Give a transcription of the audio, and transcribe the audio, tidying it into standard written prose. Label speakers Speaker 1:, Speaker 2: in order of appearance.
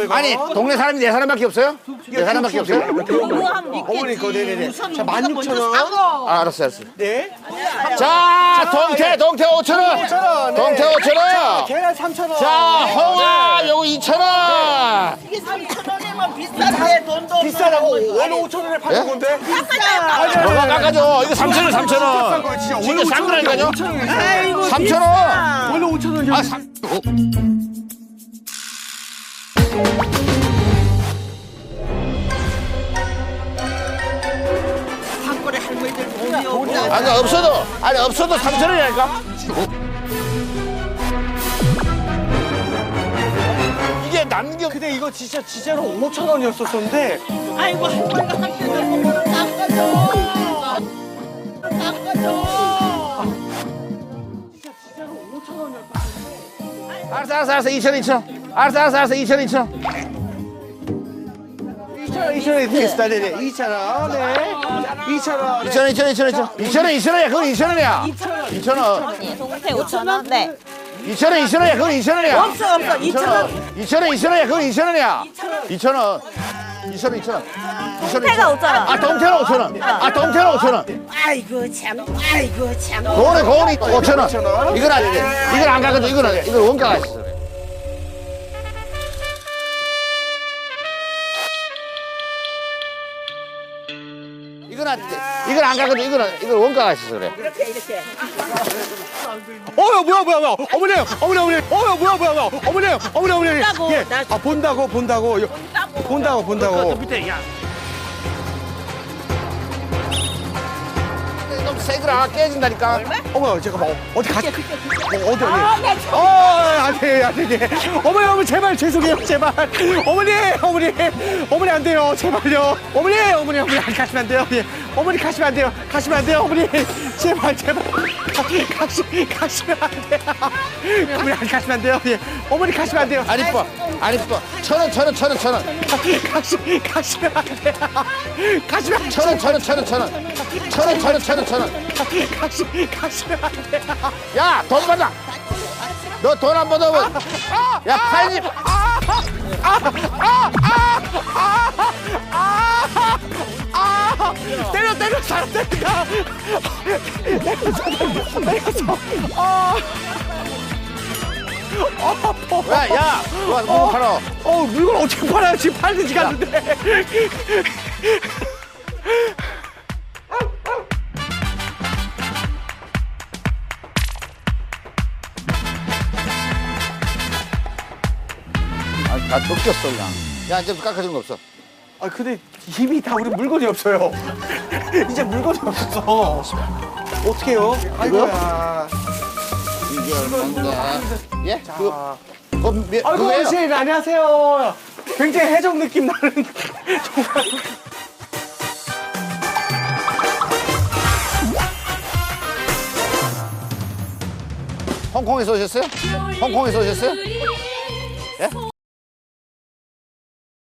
Speaker 1: 이거?
Speaker 2: 아니 동네 사람이 네 사람밖에 없어요? 네 사람밖에 없어요?
Speaker 1: 어머니 거 네네네. 자 16,000원.
Speaker 2: 아, 알았어.
Speaker 1: 네.
Speaker 2: 자, 동태 5,000원.
Speaker 1: 5,000원.
Speaker 2: 동태 5,000원.
Speaker 1: 계란 3,000원.
Speaker 2: 자, 홍합 요거 2,000원.
Speaker 3: 이게 3,000원이면 비싸네 돈도.
Speaker 1: 비싸다고 원래 5,000원에 파는 건데.
Speaker 2: 뭐가 깎아줘. 이거 3,000원, 3,000원. 진짜 싼 거라니까요. 3,000원.
Speaker 1: 원래 5,000원.
Speaker 2: 아,
Speaker 3: 한골에 할머니들 돈이 없나.
Speaker 2: 아니 없어도 3,000원이라니까. 이게 남겨.
Speaker 1: 근데 이거 진짜로 5,000원이었었는데.
Speaker 3: 아이고 할머니가 한 개를 먹으면 깎아줘. 깎아줘.
Speaker 1: 진짜로 5,000원이었어.
Speaker 2: 알았어. 2,000원. 알았어. 2,000원.
Speaker 1: 2,000원이 되겠습니다. 네네. 2,000원. 네. 2,000원.
Speaker 2: 2,000원이야. 그건 2,000원이야. 2,000원.
Speaker 4: 동태 5,000원? 네.
Speaker 2: 2,000원이야. 그건 2,000원이야.
Speaker 3: 없어 2,000원.
Speaker 2: 2,000원이야. 그건 2,000원이야. 2,000원. 2,000원.
Speaker 4: 동태가 5,000원.
Speaker 2: 아, 동태는 5,000원. 동태는 5,000원.
Speaker 3: 아이고 참.
Speaker 2: 고원이 5,000원. 이건 안 돼. 이건 안 가거든. 이건 안 돼. 이건 원가가 있어. 이건 안 돼. 이건 안 가거든. 이건 원가가 있어서 그래.
Speaker 3: 이렇게.
Speaker 1: 뭐야. 어머니. 뭐야. 어머니.
Speaker 3: 본다고.
Speaker 1: 예. 아, 본다고. 본다고.
Speaker 2: 밑에 야. 너무 세거라 깨진다니까.
Speaker 1: 어머, 잠깐만. 어디 가시? 어디? 안 돼. 어머니, 제발 죄송해요, 제발. 어머니 안 돼요, 제발요. 어머니 가시면 안 돼요. 예. 어머니 가시면 안 돼요, 어머니. 제발. 가시면 안 돼요. 어머니 가시면 안 돼요. 예. 어머니 가시면 안 돼요.
Speaker 2: 안 이뻐. 1,000원.
Speaker 1: 가시면 안 돼요. 가시면 안 돼요.
Speaker 2: 1,000원.
Speaker 1: 가시면 안 돼요.
Speaker 2: 야, 돈 받아. 너 돈 안 받아면 야, 팔집.
Speaker 1: 때려 사람 때린다.
Speaker 2: 야, 뭐 팔아.
Speaker 1: 물건 어떻게 팔아요? 지금 팔리지가 않는데.
Speaker 2: 다 벗겼어 그냥. 야, 이제 깎아주는 거 없어.
Speaker 1: 아 근데 이미 다 우리 물건이 없어요. 이제 물건이 없어. 어떡해요? 아이고야.
Speaker 2: 이게 얼마인가? 예?
Speaker 1: 자.
Speaker 2: 그거
Speaker 1: 아이고
Speaker 2: 그거예요?
Speaker 1: 어르신 안녕하세요. 굉장히 해적 느낌 나는 정말.
Speaker 2: 홍콩에서 오셨어요?